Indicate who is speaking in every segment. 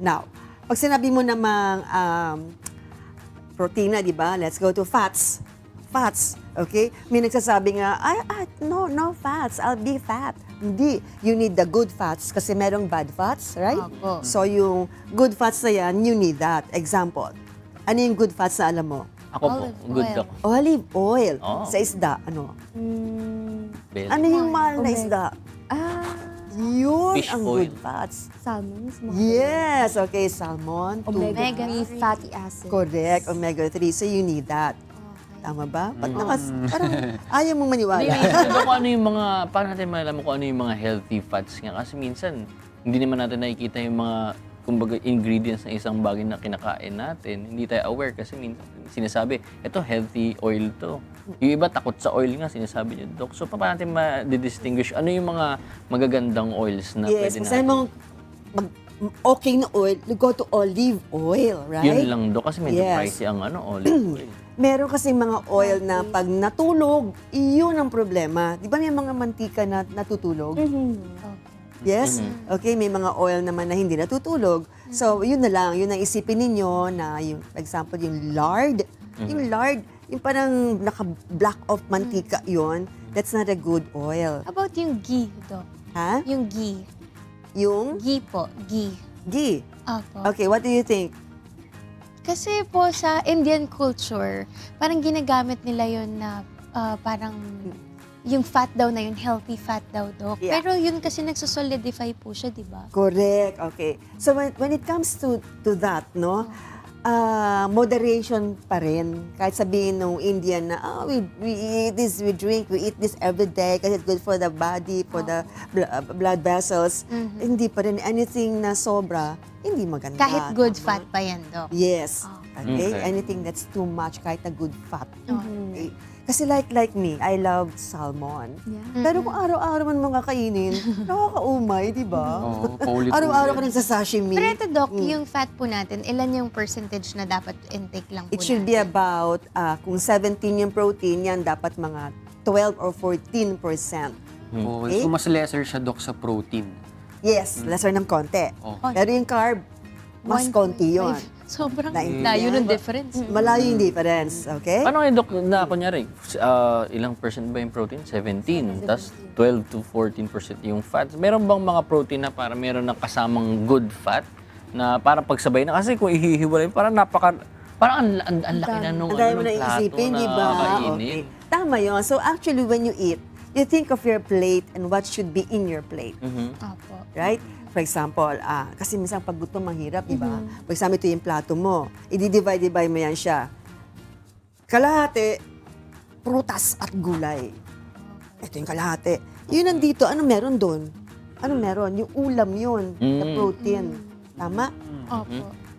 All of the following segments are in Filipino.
Speaker 1: Now, pag sinabi mo namang protina, di ba? Let's go to fats. Fats, okay? May nagsasabi nga, no fats, I'll be fat. Hindi. You need the good fats kasi merong bad fats, right?
Speaker 2: Opo.
Speaker 1: So yung good fats na yan, you need that. Example, ano yung good fats na alam mo?
Speaker 3: Ako po,
Speaker 2: Olive
Speaker 3: good
Speaker 2: oil.
Speaker 3: ako.
Speaker 1: Olive oil.
Speaker 3: Oh.
Speaker 1: Sa isda, ano?
Speaker 3: Belly.
Speaker 1: Ano yung mahal na
Speaker 2: Omega.
Speaker 1: isda?
Speaker 2: Ah,
Speaker 1: Yun
Speaker 3: Fish
Speaker 1: ang
Speaker 3: oil.
Speaker 1: good fats.
Speaker 2: salmon.
Speaker 1: Yes, okay, salmon.
Speaker 2: Omega-3 fatty acids.
Speaker 1: Correct, omega-3. So you need that.
Speaker 2: Okay.
Speaker 1: Tama ba? Ba't parang ayaw mong maniwala?
Speaker 3: Kung ano yung mga, paano natin malalaman kung ano yung mga healthy fats nga? Kasi minsan, hindi naman natin nakikita yung mga, kumbaga, ingredients ng isang bagay na kinakain natin. Hindi tayo aware kasi minsan sinasabi, ito healthy oil to. Yung iba takot sa oil nga, sinasabi niyo, Dok. So, paano natin ma-distinguish? Ano yung mga magagandang oils na
Speaker 1: Yes,
Speaker 3: pwede
Speaker 1: kasi
Speaker 3: natin?
Speaker 1: mong okay na oil, you go to olive oil, right?
Speaker 3: Yun lang, Dok. Kasi medyo
Speaker 1: Yes.
Speaker 3: pricey ang olive oil.
Speaker 1: Meron kasi mga oil na pag natulog, iyon ang problema. Di ba may mga mantika na natutulog?
Speaker 2: Okay.
Speaker 1: Yes? Okay, may mga oil naman na hindi natutulog. So, yun na lang. Yun ang isipin ninyo na yung, for example, yung lard. Yung lard, yung parang naka-black off mantika yun, that's not a good oil.
Speaker 2: How about yung ghee, Doc?
Speaker 1: Ha?
Speaker 2: Yung ghee.
Speaker 1: Yung
Speaker 2: Ghee po. Ghee.
Speaker 1: ghee.
Speaker 2: Opo.
Speaker 1: Okay, what do you think?
Speaker 2: Kasi po sa Indian culture, parang ginagamit nila yun na parang yung fat daw na yun, healthy fat daw, Doc.
Speaker 1: Yeah.
Speaker 2: Pero yun kasi nagsosolidify po siya, di ba?
Speaker 1: Correct. Okay. So, when it comes to that, no, moderation pa rin. Kahit sabihin nung Indian na, we eat this, we drink, we eat this every day kasi it's good for the body, for the blood vessels. Hindi pa rin. Anything na sobra, hindi maganda.
Speaker 2: Kahit good
Speaker 1: Tama?
Speaker 2: fat pa yan, Doc.
Speaker 1: Yes. Okay?
Speaker 3: Okay.
Speaker 1: Anything that's too much, kahit na good fat.
Speaker 2: Mm-hmm.
Speaker 1: Okay? Kasi like me, I love salmon.
Speaker 2: Yeah.
Speaker 1: Pero kung araw-araw man mga kainin, nakakaumay, di ba?
Speaker 4: Oo, paulit-ulit.
Speaker 1: Araw-araw ka nagsasashimi.
Speaker 2: Pero ito, Doc, yung fat po natin, ilan yung percentage na dapat intake lang po
Speaker 1: It should be
Speaker 2: natin?
Speaker 1: about, kung 17 yung protein, yan dapat mga 12 or 14%.
Speaker 4: Oo,
Speaker 1: Okay.
Speaker 4: so mas lesser siya, Dok, sa protein.
Speaker 1: Yes, lesser ng konti.
Speaker 4: Okay.
Speaker 1: Pero yung carb, mas
Speaker 2: 1.5.
Speaker 1: konti yun.
Speaker 2: Sobrang
Speaker 1: Naintindihan?
Speaker 2: layo ng difference.
Speaker 1: Malayo yung difference, okay?
Speaker 3: Paano kayo, Dok, na kunyari, ilang percent ba yung protein? 17. Tapos 12 to 14% yung fats. Meron bang mga protein na para meron ng kasamang good fat na para pagsabay na? Kasi kung ihihiwalay, parang parang ang laki na nung
Speaker 1: Ang dami mo
Speaker 3: nung
Speaker 1: na
Speaker 3: plato
Speaker 1: isipin,
Speaker 3: na
Speaker 1: di ba?
Speaker 3: kakainin.
Speaker 1: Okay. Tama yun. So actually, when you eat, you think of your plate and what should be in your plate.
Speaker 2: Opo.
Speaker 1: Right? For example, kasi minsan pag gutom mahirap, di ba? For example, ito yung plato mo. I-divide mo yan siya. Kalahati, prutas at gulay. Ito yung kalahati. Yun nandito, ano meron doon? Ano meron? Yung ulam yun, the protein. Tama?
Speaker 2: Opo.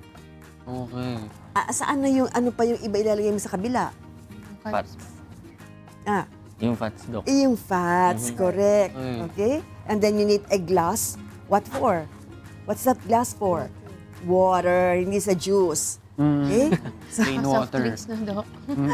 Speaker 4: Okay.
Speaker 1: Saan na yung, ano pa yung iba ilalagay mo sa kabila?
Speaker 3: Fats.
Speaker 1: Ah,
Speaker 3: Yung fats, Dok.
Speaker 1: yung fats, correct. Okay? And then you need a glass. What for? What's that glass for? Water, hindi sa juice. Okay?
Speaker 4: Plain
Speaker 2: Soft
Speaker 4: water.
Speaker 2: drinks na, Doc.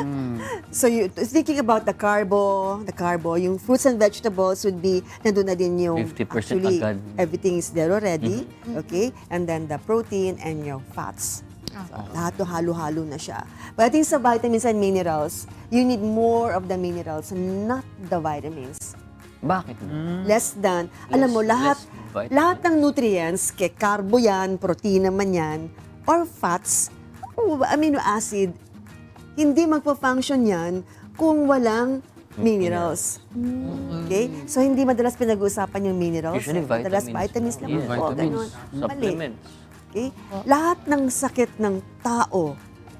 Speaker 1: So you thinking about the carbo, yung fruits and vegetables would be, nandun na din yung
Speaker 3: 50%
Speaker 1: actually,
Speaker 3: agad.
Speaker 1: everything is there already. Okay? And then the protein and your fats. So, lahat to halo-halo na siya. But I think sa vitamins and minerals, you need more of the minerals, not the vitamins.
Speaker 3: Bakit?
Speaker 1: Less than, alam mo, lahat
Speaker 3: vitamins.
Speaker 1: lahat ng nutrients, kay carbo yan, protein naman yan, or fats, o amino acid, hindi magpa-function yan kung walang minerals. Okay? So, hindi madalas pinag-uusapan yung minerals.
Speaker 3: Usually
Speaker 1: Madalas
Speaker 3: vitamins.
Speaker 1: vitamins lang.
Speaker 3: Yes.
Speaker 1: po,
Speaker 4: Vitamins.
Speaker 1: ganun. Mali.
Speaker 3: Supplements.
Speaker 1: Okay? Lahat ng sakit ng tao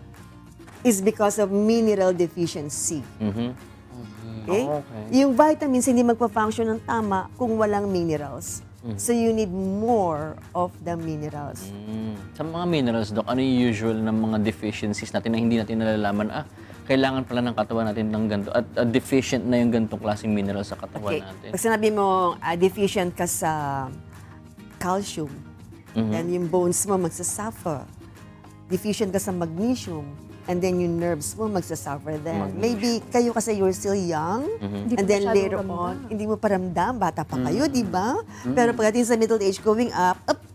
Speaker 1: is because of mineral deficiency. Okay?
Speaker 3: Okay.
Speaker 1: Yung vitamins hindi magpa-function ng tama kung walang minerals. So you need more of the minerals.
Speaker 3: Sa mga minerals, Dok, ano yung usual ng mga deficiencies natin na hindi natin nalalaman? Kailangan pala ng katawan natin ng ganito at deficient na yung ganitong klaseng minerals sa katawan
Speaker 1: Okay.
Speaker 3: natin.
Speaker 1: Pag sinabi mo deficient ka sa calcium, then yung bones mo magsasuffer. Deficient ka sa magnesium, and then yung nerves mo magsasuffer then. Maybe kayo kasi you're still young, and then later on, hindi mo paramdam, bata pa kayo, di ba? Pero pagdating sa middle age, going up,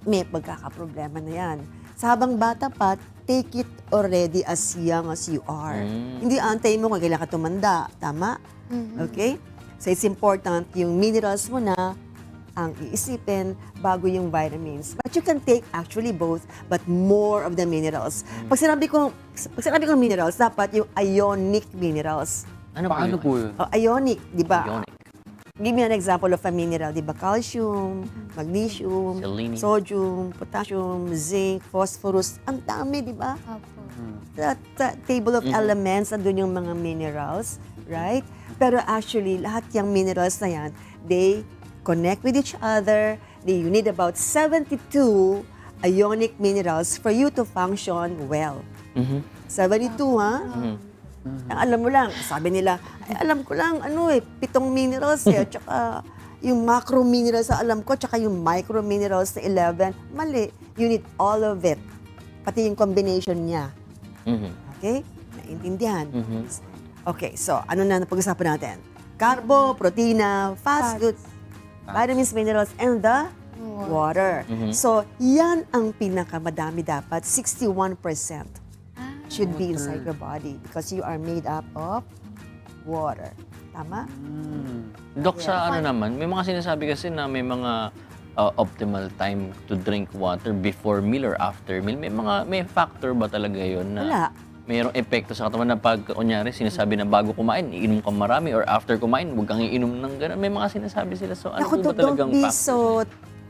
Speaker 1: may pagkakaproblema na yan. Sa habang bata pa, take it already as young as you are. Hindi antay mo kung kailan ka tumanda. Tama? Okay? So it's important yung minerals mo na ang iisipin bago yung vitamins. But you can take actually both, but more of the minerals. Pag sinabi kong minerals, dapat yung ionic minerals.
Speaker 3: Ano
Speaker 4: Paano
Speaker 3: po
Speaker 4: po
Speaker 3: yun?
Speaker 4: yun?
Speaker 1: Ionic, di ba?
Speaker 3: Ionic.
Speaker 1: Give me an example of a mineral, di ba? Calcium, magnesium,
Speaker 3: Selenium.
Speaker 1: sodium, potassium, zinc, phosphorus. Ang dami, di ba?
Speaker 2: Opo.
Speaker 1: That table of elements, andun yung mga minerals, right? Pero actually, lahat yung minerals na yan, they connect with each other. You need about 72 ionic minerals for you to function well. 72, ha? Ang alam mo lang, sabi nila, ay, alam ko lang, 7 minerals at saka yung macro minerals na alam ko, tsaka yung micro minerals na 11. Mali. You need all of it. Pati yung combination niya. Okay? Naintindihan? Okay, so ano na napag-usapan natin? Carbo, protina, fast food, vitamins, minerals, and the water. So, yan ang pinakamadami dapat. 61% should be inside your body because you are made up of water. Tama?
Speaker 3: Dok, sa ano naman, may mga sinasabi kasi na may mga optimal time to drink water before meal or after meal. May factor ba talaga yun na
Speaker 1: Wala.
Speaker 3: mayroong epekto sa katawan na pag, kunyari, sinasabi na bago kumain, iinom ka marami or after kumain, huwag kang iinom ng gano'n. May mga sinasabi sila. So, ano
Speaker 1: Naku,
Speaker 3: po ba talagang
Speaker 1: don't be
Speaker 3: factor?
Speaker 1: so,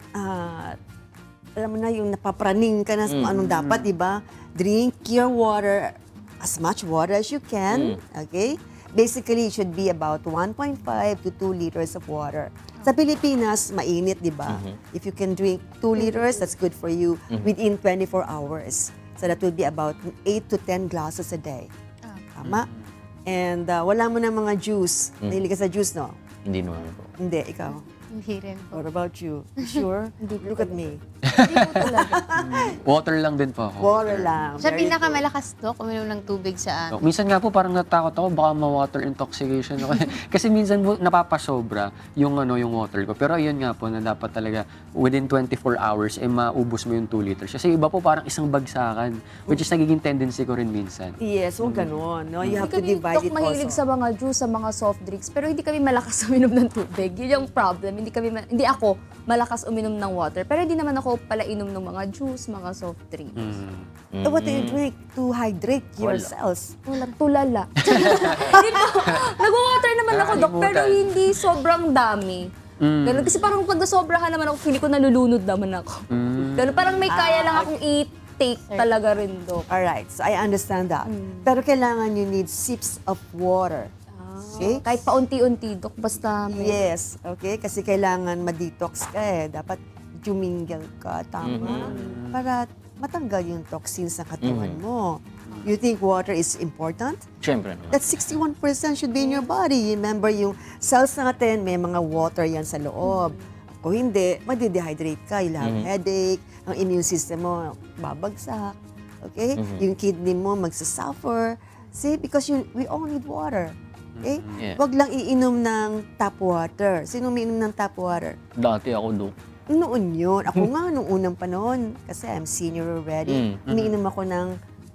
Speaker 1: alam mo na, yung napapraning ka na sa kung anong dapat, di ba? Drink your water, as much water as you can, okay? Basically, it should be about 1.5 to 2 liters of water. Sa Pilipinas, mainit, di ba? If you can drink 2 liters, that's good for you within 24 hours. So that would be about 8 to 10 glasses a day. Tama? And wala mo na mga juice. Nahilig ka sa juice, no?
Speaker 3: Hindi naman po.
Speaker 1: Hindi, ikaw.
Speaker 2: Hindi rin po.
Speaker 1: What about you? You sure? Look at me.
Speaker 2: Hindi po talaga.
Speaker 4: Water lang din po ako.
Speaker 1: Water lang.
Speaker 2: Siya
Speaker 1: Very good.
Speaker 2: pinakamalakas to, uminom ng tubig sa
Speaker 4: So, minsan nga po parang natakot ako baka ma-water intoxication ako. Kasi minsan po napapasobra yung yung water ko. Pero ayun nga po na dapat talaga within 24 hours maubos mo yung 2 liters. Kasi iba po parang isang bagsakan, which is nagiging tendency ko rin minsan.
Speaker 1: Yes, huwag ganon. No? You have to
Speaker 5: Hindi
Speaker 1: divide it
Speaker 5: kami mahilig
Speaker 1: also.
Speaker 5: sa mga juice, sa mga soft drinks, pero hindi kami malakas uminom ng tubig. Yun yung problem. Hindi ako malakas uminom ng water, pero hindi naman ako pala inom ng mga juice, mga soft drinks.
Speaker 1: What do you drink to hydrate your cells?
Speaker 5: Tulala. Hindi po. Nag-water naman ako, Dok, pero
Speaker 4: Nakalimutan.
Speaker 5: hindi sobrang dami. Ganun. Kasi parang pag nasobrahan naman ako, feeling ko nalulunod naman ako. Ganun. Parang may kaya lang akong i-take talaga rin, Dok.
Speaker 1: Alright, so I understand that. Pero kailangan you need sips of water. Okay?
Speaker 5: Kahit paunti-unti, Dok, basta may...
Speaker 1: Yes, okay? Kasi kailangan ma-detox ka eh. Dapat jumingle ka, tama? Para matanggal yung toxins sa katawan mo. You think water is important?
Speaker 3: Siyempre naman.
Speaker 1: That 61% should be in your body. Remember, yung cells natin, may mga water yan sa loob. Kung hindi, madi-dehydrate ka. You'll have headache, ang immune system mo babagsak. Okay? Yung kidney mo magsasuffer. See? Because we all need water. Okay?
Speaker 3: Yeah.
Speaker 1: Wag lang iinom ng tap water. Sino umiinom ng tap water?
Speaker 3: Dati ako, Dok.
Speaker 1: Noon yun. Ako nga, nung unang panahon, kasi I'm senior already, umiinom ako ng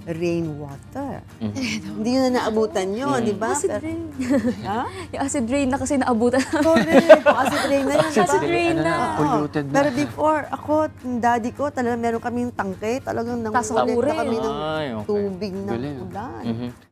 Speaker 1: rainwater. Hindi yun na naabutan yun, di ba?
Speaker 5: Acid
Speaker 1: Pero-
Speaker 5: rain.
Speaker 1: Ha?
Speaker 5: Yung acid rain na kasi naabutan.
Speaker 1: Correct. Acid rain na yun, di ba?
Speaker 5: Acid rain na.
Speaker 1: Oo.
Speaker 4: Polluted na.
Speaker 1: Pero before, ako, yung daddy ko, talagang meron kaming tangke, talagang nangulit na
Speaker 5: Tasakurin.
Speaker 1: kami ng
Speaker 3: Ay, okay.
Speaker 1: tubig ng
Speaker 4: Galing.
Speaker 1: ulan.